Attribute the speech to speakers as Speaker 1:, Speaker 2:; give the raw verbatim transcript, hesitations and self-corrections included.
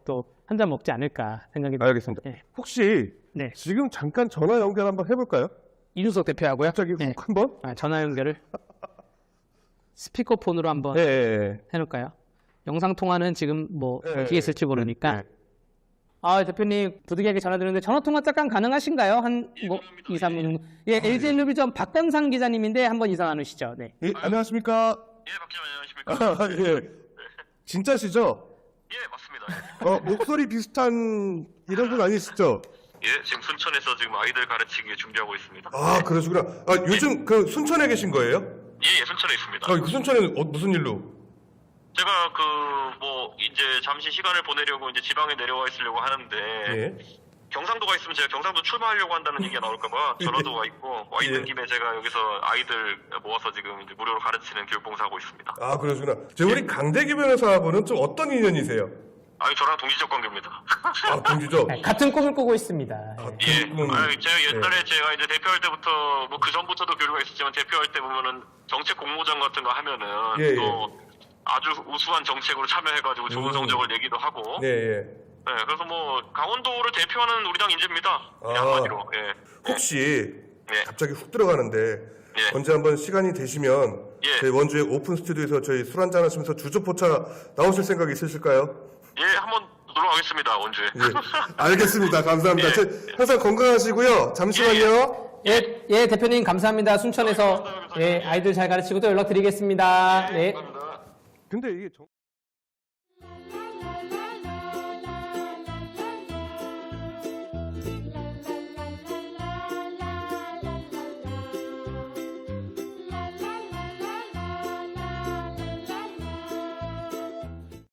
Speaker 1: 또 한 잔 먹지 않을까 생각이 듭니다.
Speaker 2: 알겠습니다.
Speaker 1: 네.
Speaker 2: 혹시
Speaker 1: 네.
Speaker 2: 지금 잠깐 전화 연결 한번 해볼까요?
Speaker 1: 이준석 대표하고요.
Speaker 2: 갑자기
Speaker 1: 네.
Speaker 2: 훅 한번?
Speaker 1: 아, 전화 연결을 스피커폰으로 한번
Speaker 2: 예, 예,
Speaker 1: 해놓을까요? 영상 통화는 지금 뭐
Speaker 2: 예,
Speaker 1: 어떻게 있을지 모르니까.
Speaker 2: 예.
Speaker 1: 아, 대표님 부득이하게 전화 드렸는데 전화 통화 잠깐 가능하신가요? 한 뭐 이, 삼 분 정도. 예, 엘지엔루비전 박병상 기자님인데 한번 인사 나누시죠. 네.
Speaker 2: 예, 안녕하십니까?
Speaker 3: 예, 박기자 안녕하십니까?
Speaker 2: 아, 예. 진짜시죠?
Speaker 3: 예, 맞습니다.
Speaker 2: 어, 목소리 비슷한 이런 분 아니시죠?
Speaker 3: 예, 지금 순천에서 지금 아이들 가르치기 위해 준비하고 있습니다.
Speaker 2: 아, 그러시구나. 아, 요즘 그 순천에 계신 거예요?
Speaker 3: 예, 예, 순천에 있습니다.
Speaker 2: 아, 그 순천에는 어, 무슨 일로?
Speaker 3: 제가 그 뭐 이제 잠시 시간을 보내려고 이제 지방에 내려와 있으려고 하는데
Speaker 2: 예.
Speaker 3: 경상도가 있으면 제가 경상도 출마하려고 한다는 얘기가 나올까봐 전라도가 있고 와 있는
Speaker 2: 예.
Speaker 3: 김에 제가 여기서 아이들 모아서 지금 이제 무료로 가르치는 교육봉사하고 있습니다.
Speaker 2: 아, 그러시구나. 저 우리 강대기 변호사분은 좀 어떤 인연이세요?
Speaker 3: 아니 저랑 동지적 관계입니다.
Speaker 2: 아, 동기죠?
Speaker 1: 네, 같은 꿈을 꾸고 있습니다. 예.
Speaker 3: 예,
Speaker 2: 음,
Speaker 3: 아니, 제가 옛날에
Speaker 2: 예.
Speaker 3: 제가 이제 대표할 때부터 뭐 그 전부터도 교류가 있었지만 대표할 때 보면은 정책 공모전 같은 거 하면은
Speaker 2: 예,
Speaker 3: 또 아주 우수한 정책으로 참여해가지고 좋은
Speaker 2: 음.
Speaker 3: 성적을 내기도 하고.
Speaker 2: 예, 예.
Speaker 3: 네, 그래서 뭐 강원도를 대표하는 우리 당 인재입니다. 그냥
Speaker 2: 아.
Speaker 3: 한마디로. 예.
Speaker 2: 혹시
Speaker 3: 예.
Speaker 2: 갑자기 훅 들어가는데
Speaker 3: 예.
Speaker 2: 언제 한번 시간이 되시면
Speaker 3: 예.
Speaker 2: 저희 원주의 오픈 스튜디오에서 저희 술 한잔 하시면서 주조포차 나오실 생각 있으실까요?
Speaker 3: 예, 한번 놀러 가겠습니다, 원주에.
Speaker 2: 예. 알겠습니다. 감사합니다.
Speaker 3: 예.
Speaker 2: 저 항상 건강하시고요. 잠시만요.
Speaker 1: 예, 예, 대표님 감사합니다. 순천에서 예, 아이들 잘 가르치고 또 연락드리겠습니다. 네.
Speaker 3: 감사합니다.
Speaker 2: 근데 이게 정...